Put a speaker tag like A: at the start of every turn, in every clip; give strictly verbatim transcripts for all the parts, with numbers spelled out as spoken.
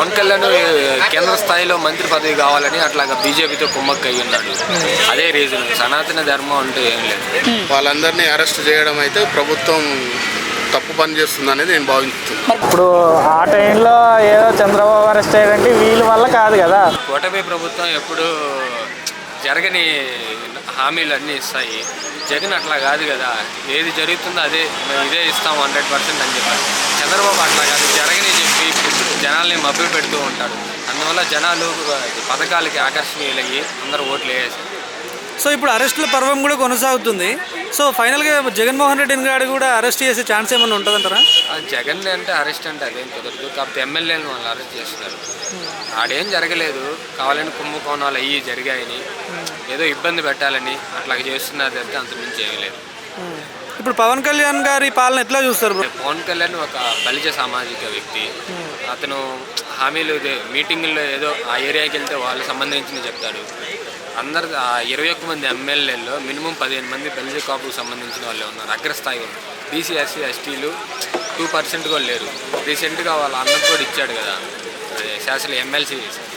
A: పవన్ కళ్యాణ్ కేంద్ర స్థాయిలో మంత్రి పదవి కావాలని అట్లాగా బీజేపీతో కుమ్మక్క అయి ఉన్నాడు. అదే రీజన్. సనాతన ధర్మం అంటే ఏం లేదు.
B: వాళ్ళందరినీ అరెస్ట్ చేయడం అయితే ప్రభుత్వం తప్పు పని చేస్తుంది అనేది నేను భావిస్తున్నాను.
C: ఇప్పుడు ఆ టైంలో ఏదో చంద్రబాబు అరెస్ట్ అయ్యారంటే వీళ్ళ వల్ల కాదు కదా.
A: కూటమి ప్రభుత్వం ఎప్పుడు జరగని హామీలు అన్నీ ఇస్తాయి. జగన్ అట్లా కాదు కదా. ఏది జరుగుతుందో అదే ఇదే ఇస్తాం హండ్రెడ్ పర్సెంట్ అని చెప్పారు. చంద్రబాబు అట్లా కాదు, జరగని చెప్పి జనాల్ని మభ్య పెడుతూ ఉంటాడు. అందువల్ల జనాలు పథకాలకి ఆకర్షణీయులయ్యి అందరూ ఓట్లు వేసేసారు.
C: సో ఇప్పుడు అరెస్టుల పర్వం కూడా కొనసాగుతుంది. సో ఫైనల్గా జగన్మోహన్ రెడ్డిని గారు కూడా అరెస్ట్ చేసే ఛాన్స్ ఏమైనా ఉంటుందంటారా?
A: జగన్ అంటే అరెస్ట్ అంటే అదేం కుదరదు. కాకపోతే ఎమ్మెల్యేలను వాళ్ళు అరెస్ట్ చేస్తున్నారు. ఆడేం జరగలేదు, కావాలని కుంభకోణాలు అయ్యి జరిగాయని ఏదో ఇబ్బంది పెట్టాలని అట్లా చేస్తున్నారు అంటే అంత మించి ఏమీ లేదు.
C: ఇప్పుడు పవన్ కళ్యాణ్ గారి పాలన ఎట్లా చూస్తారు?
A: పవన్ కళ్యాణ్ ఒక బలిజ సామాజిక వ్యక్తి. అతను హామీలు మీటింగుల్లో ఏదో ఆ ఏరియాకి వెళ్తే వాళ్ళు సంబంధించింది చెప్తాడు. అందరు ఆ ఇరవై ఒక్క మంది ఎమ్మెల్యేల్లో మినిమం పదిహేను మంది బలిజ కాపుకు సంబంధించిన వాళ్ళే ఉన్నారు. అగ్రస్థాయి ఉన్నారు. బీసీ ఎస్సీ ఎస్టీలు టూ పర్సెంట్ కూడా లేరు. రీసెంట్గా వాళ్ళ అన్నకు కూడా ఇచ్చాడు కదా, అదే శాసన ఎమ్మెల్సీ.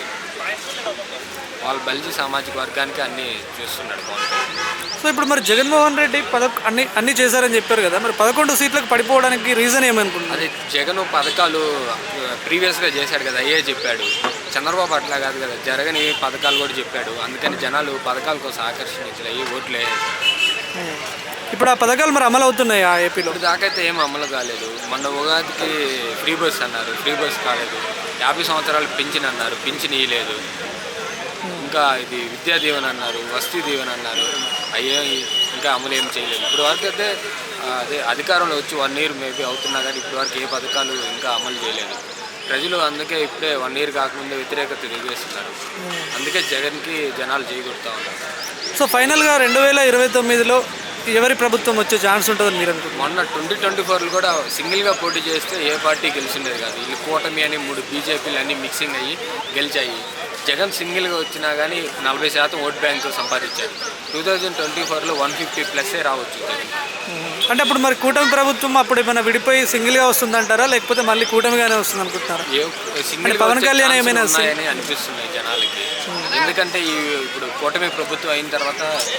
A: వాళ్ళు బలిజ సామాజిక వర్గానికి అన్నీ చూస్తున్నాడు పవన్ కళ్యాణ్.
C: సో ఇప్పుడు మరి జగన్మోహన్ రెడ్డి పద అన్ని అన్ని చేశారని చెప్పారు కదా, మరి పదకొండు సీట్లకు పడిపోవడానికి రీజన్ ఏమనుకుంటున్నారు?
A: అది జగన్ పథకాలు ప్రీవియస్గా చేశాడు కదా, అయ్యే చెప్పాడు. చంద్రబాబు అట్లా కాదు కదా, జరగని పథకాలు కూడా చెప్పాడు. అందుకని జనాలు పథకాల కోసం ఆకర్షించలయ్యి ఓట్లు వేసారు.
C: ఇప్పుడు ఆ పథకాలు మరి అమలు అవుతున్నాయి ఆ ఏపీలో?
A: ఇప్పుడు దాకైతే ఏం అమలు కాలేదు. మొన్న ఉగాదికి ఫ్రీ బస్ అన్నారు, ఫ్రీ బస్ కాలేదు. యాభై సంవత్సరాలు పింఛన్ అన్నారు, పింఛన్ ఇవ్వలేదు. ఇంకా ఇది విద్యా దీవెన అన్నారు, వస్తీ దీవెన అన్నారు, అయ్యే ఇంకా అమలు ఏం చేయలేదు. ఇప్పుడు వరకు అయితే అదే అధికారంలో వచ్చి వన్ ఇయర్ మేబీ అవుతున్నా కానీ ఇప్పుడు వరకు ఏ పథకాలు ఇంకా అమలు చేయలేదు. ప్రజలు అందుకే ఇప్పుడే వన్ ఇయర్ కాకముందే వ్యతిరేకత తెలియజేస్తున్నారు. అందుకే జగన్కి జనాలు చేయగొడతా ఉన్నారు.
C: సో ఫైనల్గా రెండు వేల ఇరవై తొమ్మిదిలో ఎవరి ప్రభుత్వం వచ్చే ఛాన్స్ ఉంటుందని మీరు అనుకుంటున్నారు?
A: మొన్న ట్వంటీ ట్వంటీ ఫోర్లో కూడా సింగిల్గా పోటీ చేస్తే ఏ పార్టీ గెలిచిండేది కాదు. వీళ్ళు కూటమి అని మూడు బీజేపీలు అన్నీ మిక్సింగ్ అయ్యి గెలిచాయి. జగన్ సింగిల్గా వచ్చినా కానీ నలభై శాతం ఓట్ బ్యాంకు సంపాదించారు. టూ థౌజండ్ ట్వంటీ ఫోర్లో వన్ ఫిఫ్టీ ప్లస్సే రావచ్చు జగన్.
C: అంటే అప్పుడు మరి కూటమి ప్రభుత్వం అప్పుడు ఏమైనా విడిపోయి సింగిల్గా వస్తుందంటారా, లేకపోతే మళ్ళీ కూటమిగానే వస్తుంది అనుకుంటున్నారా?
A: సింగిల్ పవన్ కళ్యాణ్ ఏమైనా ఉన్నాయని అనిపిస్తున్నాయి జనాలకి. ఎందుకంటే ఈ ఇప్పుడు కూటమి ప్రభుత్వం అయిన తర్వాత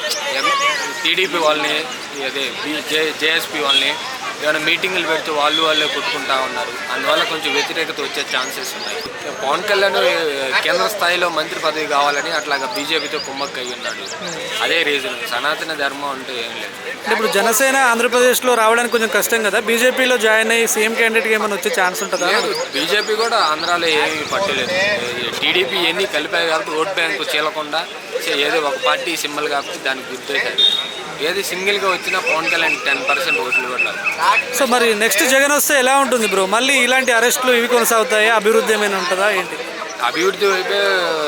A: టీడీపీ వాళ్ళని అదే జే జేఎస్పీ వాళ్ళని ఏమైనా మీటింగులు పెడితే వాళ్ళు వాళ్ళే కొట్టుకుంటా ఉన్నారు. అందువల్ల కొంచెం వ్యతిరేకత వచ్చే ఛాన్సెస్ ఉన్నాయి. పవన్ కళ్యాణ్ కేంద్ర స్థాయిలో మంత్రి పదవి కావాలని అట్లాగా బీజేపీతో కుమ్మక్క అయి ఉన్నాడు. అదే రీజన్. సనాతన ధర్మం అంటే ఏం లేదు.
C: ఇప్పుడు జనసేన ఆంధ్రప్రదేశ్లో రావడానికి కొంచెం కష్టం కదా, బీజేపీలో జాయిన్ అయ్యి సీఎం క్యాండిడేట్గా ఏమైనా వచ్చే ఛాన్స్ ఉంటుందా?
A: బీజేపీ కూడా ఆంధ్రాలో ఏమీ పట్టలేదు. టీడీపీ ఎన్ని కలిపాయి కాబట్టి ఓట్ బ్యాంకు చీలకుండా ఏదో ఒక పార్టీ సింబల్ కాబట్టి దానికి గుర్తేశారు. ఏది సింగిల్గా వచ్చినా పవన్ కళ్యాణ్ టెన్ పర్సెంట్ ఓట్లు కూడా.
C: సో మరి నెక్స్ట్ జగన్ వస్తే ఎలా ఉంటుంది బ్రో? మళ్ళీ ఇలాంటి అరెస్టులు ఇవి కొనసాగుతాయా? అభివృద్ధి ఏమైనా ఉంటుందా ఏంటి?
A: అభివృద్ధి వైపే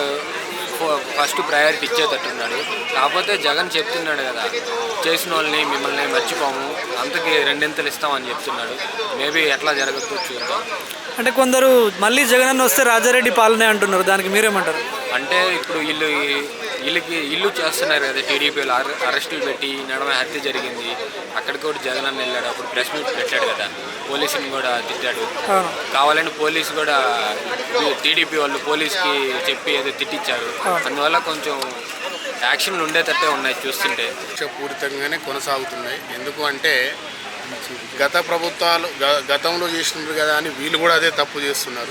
A: ఫస్ట్ ప్రయారిటీ ఇచ్చేటట్టున్నాడు. కాకపోతే జగన్ చెప్తున్నాడు కదా, చేసిన వాళ్ళని మిమ్మల్ని మర్చిపోము, అంతకి రెండింతలు ఇస్తామని చెప్తున్నాడు. మేబీ ఎట్లా జరగద్దు చూద్దాం.
C: అంటే కొందరు మళ్ళీ జగన్ వస్తే రాజారెడ్డి పాలనే అంటున్నారు, దానికి మీరేమంటారు?
A: అంటే ఇప్పుడు వీళ్ళు వీళ్ళకి ఇల్లు చేస్తున్నారు కదా, టీడీపీలో అరెస్టులు పెట్టి నడమ హత్య జరిగింది. అక్కడికి కూడా జగన్ అన్న వెళ్ళాడు. అప్పుడు ప్రెస్ మీట్ పెట్టాడు కదా, పోలీసుని కూడా తిట్టాడు. కావాలని పోలీసు కూడా టీడీపీ వాళ్ళు పోలీస్కి చెప్పి ఏదో తిట్టించారు. అందువల్ల కొంచెం యాక్షన్లు ఉండేటట్టే ఉన్నాయి చూస్తుంటే.
B: పూరితంగానే కొనసాగుతున్నాయి. ఎందుకు అంటే గత ప్రభుత్వాలు గతంలో చేసినారు కదా అని వీళ్ళు కూడా అదే తప్పు చేస్తున్నారు.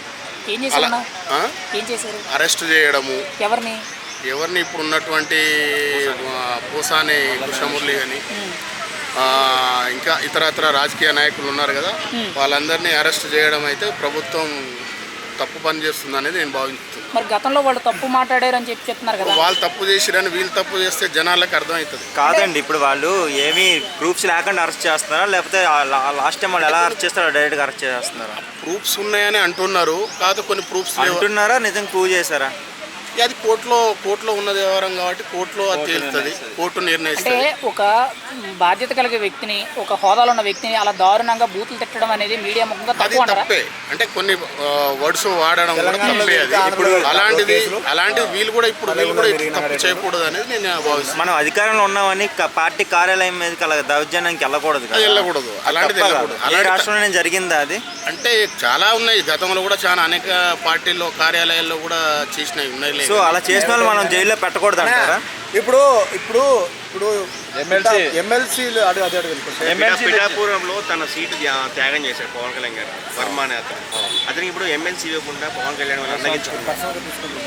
B: అరెస్ట్ చేయడము
D: ఎవరిని
B: ఎవరిని ఇప్పుడు ఉన్నటువంటి పూసాని కృష్ణమురళి కానీ ఇంకా ఇతరత్ర రాజకీయ నాయకులు ఉన్నారు కదా, వాళ్ళందరినీ అరెస్ట్ చేయడం అయితే ప్రభుత్వం తప్పు పని చేస్తుంది అనేది నేను భావిస్తున్నాను.
D: మరి గతంలో వాళ్ళు తప్పు మాట్లాడారని చెప్పి చెప్తున్నారు కదా,
B: వాళ్ళు తప్పు చేసిరని వీళ్ళు తప్పు చేస్తే జనాలకు అర్థమవుతుంది
E: కాదండి. ఇప్పుడు వాళ్ళు ఏమీ ప్రూఫ్స్ లేకుండా అరెస్ట్ చేస్తున్నారా, లేకపోతే లాస్ట్ టైం వాళ్ళు ఎలా అరెస్ట్ చేస్తారో డైరెక్ట్గా అరెస్ట్ చేస్తున్నారా?
B: ప్రూఫ్స్ ఉన్నాయని అంటున్నారు, కాదు కొన్ని ప్రూఫ్స్
E: అంటున్నారా, నిజంగా ప్రూవ్ చేశారా?
B: ఇక అది కోర్టులో కోర్టులో ఉన్న వ్యవహారం కాబట్టి కోర్టులో అది తేలుతుంది, కోర్టు
D: అంటే
B: నిర్ణయిస్తుంది.
D: ఒక బాధ్యత కలిగే వ్యక్తిని, ఒక హోదాలో ఉన్న వ్యక్తిని అలా దారుణంగా బూతులు తిట్టడం అనేది మీడియా ముఖంగా
B: అది
D: తప్పు అంటారా?
B: తప్పే. అంటే కొన్ని వర్డ్స్ వాడడం కూడా తప్పే. అది ఇప్పుడు అలాంటిది అలాంటిది వీళ్ళు కూడా ఇప్పుడు వీళ్ళు కూడా ఇప్పుడు తప్పు చేయకూడదు అనేది నేను భావిస్తున్నాను.
E: మనం అధికారంలో ఉన్నామని క- పార్టీ కార్యాలయం మీదకి అలా దౌర్జన్యానికి వెళ్ళకూడదు కదా.
B: అది వెళ్ళకూడదు, అలాంటిది
E: తప్ప
B: వెళ్ళకూడదు.
E: కదా. ఈ
B: అలాంటి
E: రాష్ట్రంలో జరిగిందా అది?
B: అంటే చాలా ఉన్నాయి, గతంలో కూడా చాలా అనేక పార్టీల్లో కార్యాలయాల్లో కూడా చేసినవి ఉన్నాయి.
E: సో అలా చేసిన వాళ్ళు మనం జైల్లో పెట్టకూడదు అంటారా?
F: ఇప్పుడు ఇప్పుడు ఇప్పుడు ఎమ్మెల్సీ ఎమ్మెల్సీలు అదే అదే
E: ఎమ్మెల్సీ
G: పిఠాపురంలో తన సీటు త్యా- త్యాగం చేశాడు పవన్ కళ్యాణ్ గారు, వర్మ అనే అతను. అతనికి ఇప్పుడు ఎమ్మెల్సీ ఇవ్వకుండా పవన్ కళ్యాణ్ వల్ల అన్నగించుకున్నాడు.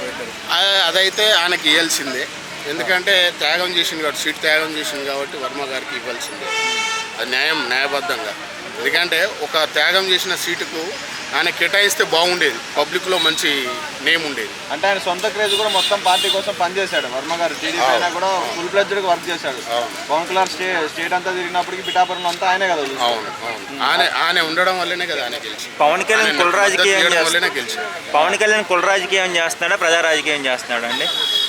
B: ఆ- అదైతే ఆయనకి ఇవ్వాల్సిందే, ఎందుకంటే త్యాగం చేసింది కాబట్టి, సీట్ త్యాగం చేసింది కాబట్టి వర్మ గారికి ఇవ్వాల్సిందే. అది న్యాయం, న్యాయబద్ధంగా. ఎందుకంటే ఒక త్యాగం చేసిన సీటుకు ఆయన కేటాయిస్తే బాగుండేది, పబ్లిక్లో మంచి నేమ్ ఉండేది.
F: అంటే ఆయన సొంత క్రేజ్ కూడా మొత్తం పార్టీ కోసం పనిచేశాడు వర్మ గారు. టీడీపీ అయినా కూడా ఫుల్ ఫ్లెడ్జ్డ్గా వర్క్ చేశాడు. పవన్ కళ్యాణ్ స్టే స్టేట్ అంతా తిరిగినప్పటికీ పిఠాపురంలో అంతా ఆయనే కదా చూశాడు.
B: అవును అవును ఆయన ఆయన ఉండడం వల్లనే కదా ఆయన గెలిచి,
E: పవన్ కళ్యాణ్ కుల రాజకీయం
B: వల్లనే
E: చేస్తున్నాడు.
B: గెలిచాడు.
E: పవన్ కళ్యాణ్ కుల రాజకీయం చేస్తున్నాడా, ప్రజా రాజకీయం చేస్తున్నాడా అండి?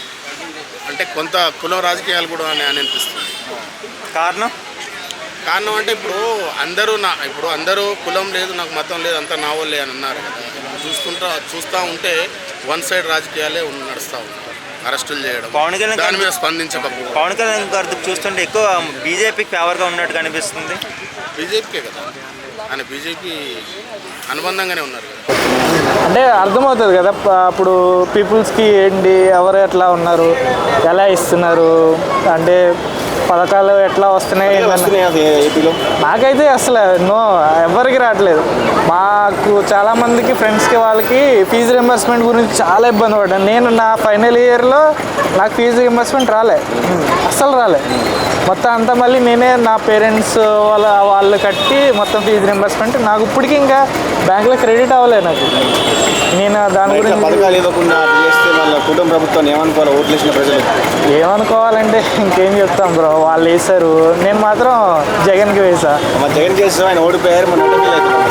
B: అంటే కొంత కుల రాజకీయాలు కూడా అని అని అనిపిస్తుంది.
E: కారణం
B: కారణం అంటే ఇప్పుడు అందరూ నా ఇప్పుడు అందరూ కులం లేదు, నాకు మతం లేదు, అంతా నా వాళ్ళే అని అన్నారు కదా. చూసుకుంటా చూస్తూ ఉంటే వన్ సైడ్ రాజకీయాలే ఉన్న- నడుస్తూ ఉంటారు, అరెస్టులు చేయడం,
E: పవన్ కళ్యాణ్
B: దాని మీద
E: గారు-
B: స్పందించకపోవడం.
E: పవన్ కళ్యాణ్ గారు చూస్తుంటే ఎక్కువ బీజేపీకి ఫేవర్గా ఉన్నట్టు కనిపిస్తుంది.
B: బీజేపీకే కదా, ఆయన బీజేపీ అనుబంధంగానే ఉన్నారు కదా.
C: అంటే అర్థమవుతుంది కదా ప- అప్పుడు పీపుల్స్కి ఏంటి, ఎవరు ఎట్లా ఉన్నారు, ఎలా ఇస్తున్నారు, అంటే పథకాలు ఎట్లా వస్తున్నాయి ఏంటన్న-
F: ఏపీలో
C: నాకైతే అసలు నో ఎవరికి రావట్లేదు. మాకు చాలామందికి ఫ్రెండ్స్కి వాళ్ళకి ఫీజు రింబర్స్మెంట్ గురించి చాలా ఇబ్బంది పడ్డాను. నేను నా ఫైనల్ ఇయర్లో నాకు ఫీజు రింబర్స్మెంట్ రాలే, అస్సలు రాలే. మొత్తం అంతా మళ్ళీ నేనే నా పేరెంట్స్ వాళ్ళ వాళ్ళు కట్టి మొత్తం ఫీజు రింబర్స్మెంట్. నాకు ఇప్పటికీ ఇంకా బ్యాంకులో క్రెడిట్ అవ్వలేదు నాకు. నేను దాని గురించి
F: పథకాలు ఇవ్వకుండా అట్లా చేస్తే వాళ్ళ కుటుంబ ప్రభుత్వాన్ని ఏమనుకోవాలి ఓట్లు వేసిన ప్రజలు?
C: ఏమనుకోవాలంటే ఇంకేం చెప్తాం బ్రో, వాళ్ళు వేశారు, నేను మాత్రం జగన్కి వేసా.
F: మా జగన్ చేసిన ఆయన ఓడిపోయారు, మన ఫీల్ అవుతున్నాం.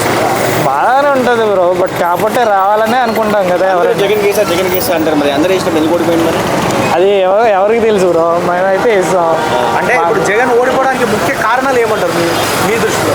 C: బాగానే ఉంటుంది బ్రో, బట్ కాకపోతే రావాలనే అనుకుంటాం కదా ఎవరైనా.
F: జగన్ కేసా జగన్ కేసా అంటారు, మరి అందరూ వేసిన ఎందుకు ఓడిపోయింది మరి?
C: అది ఎవరు ఎవరికి తెలుసు బ్రో, మేమైతే వేస్తాం.
F: అంటే ఇప్పుడు జగన్ ఓడిపోవడానికి ముఖ్య కారణాలు ఏమంటారు మీ మీ దృష్టిలో?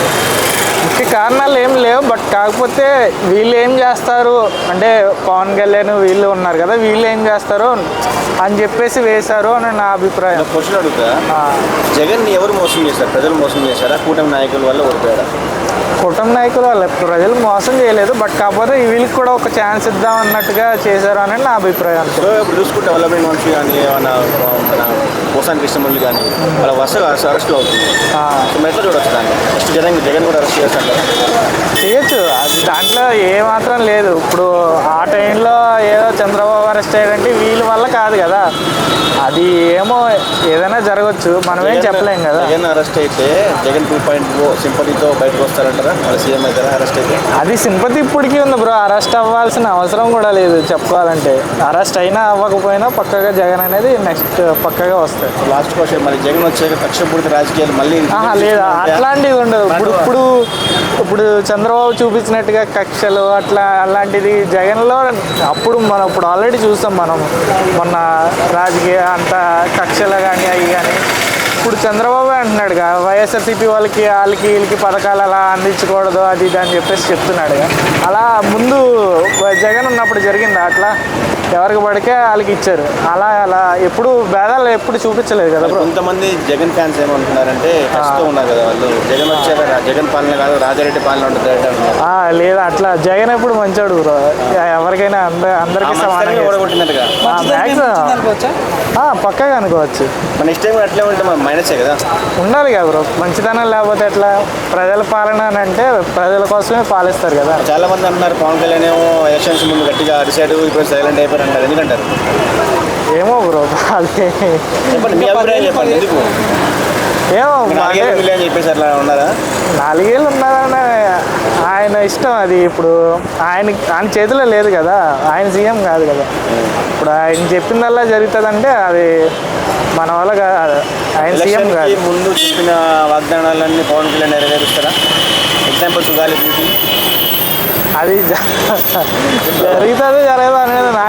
C: ముఖ్య కారణాలు ఏం లేవు, బట్ కాకపోతే వీళ్ళు ఏం చేస్తారు అంటే పవన్ కళ్యాణ్ వీళ్ళు ఉన్నారు కదా, వీళ్ళు ఏం చేస్తారు అని చెప్పేసి వేశారు అని నా అభిప్రాయం.
F: క్వశ్చన్ అడుగుతా,
C: ఆ,
F: జగన్ ని ఎవరు మోసం చేశారు? ప్రజలు మోసం చేశారా, కూటమి నాయకుల వల్ల ఓడిపోయారా?
C: కుటుంబ నాయకులు వాళ్ళు ప్రజలు మోసం చేయలేదు, బట్ కాకపోతే వీళ్ళకి కూడా ఒక ఛాన్స్ ఇద్దాం అన్నట్టుగా చేశారు అని నా అభిప్రాయం.
F: సో ఇప్పుడు చూసుకుంటే డెవలప్మెంట్ మనిషి కానీ ఏమన్నా మన పోసాని కృష్ణమురళి కానీ వాళ్ళ వరుసగా అరెస్ట్లు అవుతుంది.
C: ఆ,
F: సో మెట్ల చూడొచ్చు దాన్ని. నెక్స్ట్ జగన్ జగన్ కూడా అరెస్ట్ చేస్తాను.
C: చేయొచ్చు, అది దాంట్లో ఏమాత్రం లేదు. ఇప్పుడు ఆ టైంలో ఏదో చంద్రబాబు అరెస్ట్ అయ్యాడంటే వీళ్ళ వల్ల కాదు కదా, అది ఏమో ఏదైనా జరగచ్చు, మనం ఏం చెప్పలేం కదా.
F: జగన్ అరెస్ట్ అయితే జగన్ టూ పాయింట్ ఓ సింపతితో బయటకు వస్తారంటారా? వాళ్ళ సీఎం అవుతారా అరెస్ట్ అయితే?
C: అది సింపతి ఇప్పటికీ ఉంది బ్రో, అరెస్ట్ అవ్వాల్సిన అవసరం కూడా లేదు చెప్పుకోవాలంటే. అరెస్ట్ అయినా అవ్వకపోయినా పక్కగా జగన్ అనేది నెక్స్ట్ పక్కగా వస్తాయి.
F: లాస్ట్ క్వశ్చన్, మరి జగన్ వచ్చాక కక్షపూరిత రాజకీయాలు మళ్ళీ
C: ఆహా లేదా, అట్లాంటిది ఉండదు. ఇప్పుడు ఇప్పుడు ఇప్పుడు చంద్రబాబు చూపించినట్టుగా కక్షలు అట్లా అలాంటిది జగన్లో అప్పుడు మనం ఇప్పుడు ఆల్రెడీ చూస్తాం మనం మొన్న రాజకీయ అంత కక్షలు కానీ అవి కానీ. ఇప్పుడు చంద్రబాబు అంటున్నాడుగా వైఎస్ఆర్సీపీ వాళ్ళకి వాళ్ళకి వీళ్ళకి పథకాలు అలా అందించకూడదు అది ఇది అని చెప్పేసి చెప్తున్నాడుగా. అలా ముందు జగన్ ఉన్నప్పుడు జరిగిందా అట్లా? ఎవరికి పడితే వాళ్ళకి ఇచ్చారు. అలా అలా ఎప్పుడు భేదాలు ఎప్పుడు చూపించలేదు కదా బ్రో.
F: కొంతమంది జగన్ ఫ్యాన్స్ ఏమంటున్నారంటే కష్టం ఉన్నారు కదా వాళ్ళు, జగన్ వచ్చాక రా- జగన్ పాలన కాదు రాజారెడ్డి పాలన ఉంటుంది అంటున్నారు.
C: ఆ, లేదా అట్లా జగన్ ఎప్పుడు మంచోడు బ్రో, ఎవరికైనా అంద అందరికీ సమానంగా
F: ఓడగొట్టినట్టుగా
C: మ్యాక్సిమం పక్కగా అనుకోవచ్చు.
F: మన నెక్స్ట్ టైం అట్లే ఉంటే మన మైనసే కదా.
C: ఉండాలి కదా బ్రో, మంచితనం లేకపోతే ఎట్లా? ప్రజల పాలన అని అంటే ప్రజల కోసమే పాలిస్తారు కదా.
F: చాలా మంది అంటున్నారు పవన్ కళ్యాణ్ ఏమో ఎలక్షన్స్ ముందు గట్టిగా అరిశాడు, ఇప్పుడు సైలెంట్ అయిపోయారు అంటారు, ఎందుకంటారు?
C: ఏమో బ్రో అది
F: చెప్పండి, మీ అభిప్రాయం చెప్పండి. ఎందుకు
C: ఏమో
F: నాలుగేళ్ళు
C: అంటే
F: అని చెప్పేసి అట్లా ఉన్నారా?
C: నాలుగేళ్ళు ఉన్నారని ఆయన ఇష్టం. అది ఇప్పుడు ఆయన ఆయన చేతిలో లేదు కదా, ఆయన సీఎం కాదు కదా. ఇప్పుడు ఆయన చెప్పిందల్లా జరుగుతుందంటే అది మన వల్ల కాదు, ఆయన సీఎం
F: ఎలక్షన్కి
C: కాదు.
F: ముందు చెప్పిన వాగ్దానాలన్నీ పవన్ కళ్యాణ్ నెరవేరుస్తారా? ఎగ్జాంపుల్ సుగాలి
C: అది జరుగుతుంది జరగదు అనేది నా